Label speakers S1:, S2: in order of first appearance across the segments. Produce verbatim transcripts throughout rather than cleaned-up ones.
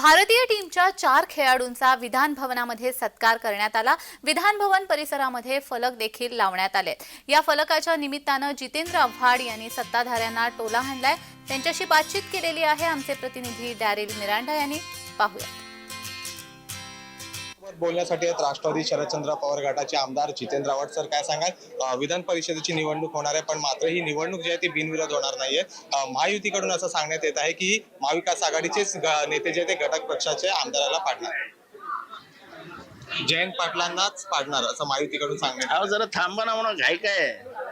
S1: भारतीय टीमच्या चार खेळाडूंचा विधान भवनामध्ये सत्कार करण्यात आला। विधान भवन परिसरामध्ये फलक देखील लावण्यात आले। या फलकाच्या निमित्तानं जितेंद्र आव्हाड यांनी सत्ताधाऱ्यांना टोला हाणलाय। त्यांच्याशी बातचीत केलेली आहे आमचे प्रतिनिधी डॅरिल मिरांडा यांनी। पाहूया।
S2: बोलण्यासाठी राष्ट्रवादी शरदचंद्र पवार गटाचे आमदार जितेंद्र आव्हाड सर, काय सांगाल? विधान परिषदेची निवडणूक होणार आहे, पण मात्र ही निवडणूक जी आहे ती बिनविरोध होणार नाहीये। महायुतीकडून असं सांगण्यात येत आहे की महाविकास आघाडीचे नेते जे ते घटक पक्षाचे आमदाराला पाडणार, जयंत पाटलांनाच पाडणार असं महायुतीकडून सांगण्यात।
S3: अहो जरा थांबा ना, म्हणून घाई काय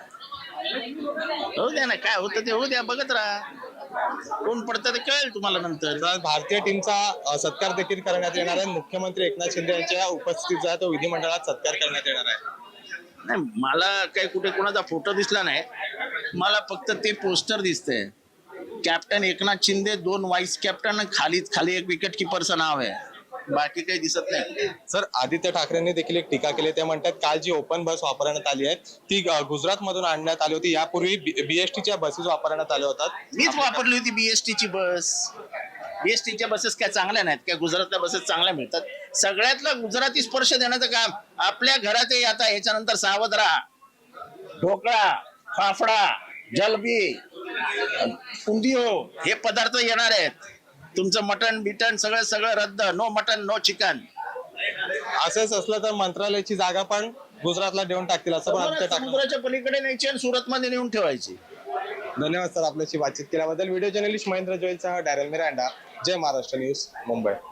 S3: होऊ द्या ना, काय होतं ते होऊ द्या, बघत राहा, कोण पडतं ते कळेल तुम्हाला नंतर।
S2: भारतीय टीमचा सत्कार देखील करण्यात येणार आहे। मुख्यमंत्री एकनाथ शिंदे यांच्या उपस्थितीत जो आहे तो विधिमंडळात सत्कार करण्यात येणार आहे।
S3: नाही, मला काही कुठे कोणाचा फोटो दिसला नाही, मला फक्त ते पोस्टर दिसतंय। कॅप्टन एकनाथ शिंदे, दोन व्हाईस कॅप्टन, खाली खाली एक विकेट किपरचं नाव आहे, बाकी काही दिसत नाही।
S2: सर, आदित्य ठाकरेंनी देखील एक टीका केली। ते म्हणतात काल जी ओपन बस वापरण्यात आली आहे ती गुजरात मधून आणण्यात आली होती, यापूर्वी बीएसटीच्या बसेस वापरण्यात आल्या होतात।
S3: मीच वापरली होती बीएसटीची बस। बीएसटीच्या बसेस काय चांगल्या नाहीत काय? गुजरातल्या बसेस चांगल्या मिळतात। सगळ्यातला गुजराती स्पर्श देण्याचं काम आपल्या घरात आहे। आता याच्यानंतर सावध राहा, ढोकळा, फाफडा, जलबी, उंदियो हे पदार्थ येणार आहेत। तुमचं मटन बिटन सगळं सगळं रद्द, नो मटन नो चिकन।
S2: असंच असलं तर मंत्रालयाची जागा पण गुजरातला देऊन टाकतील असं पण आदित्य ठाकरे।
S3: समुद्राच्या पलीकडे न्यायची आणि सुरत मध्ये नेऊन ठेवायची।
S2: धन्यवाद सर आपल्याशी बातचीत केल्याबद्दल। व्हिडिओ जर्नलिस्ट महेंद्र जोईलसह डॅरेल मिरांडा, जय महाराष्ट्र न्यूज, मुंबई।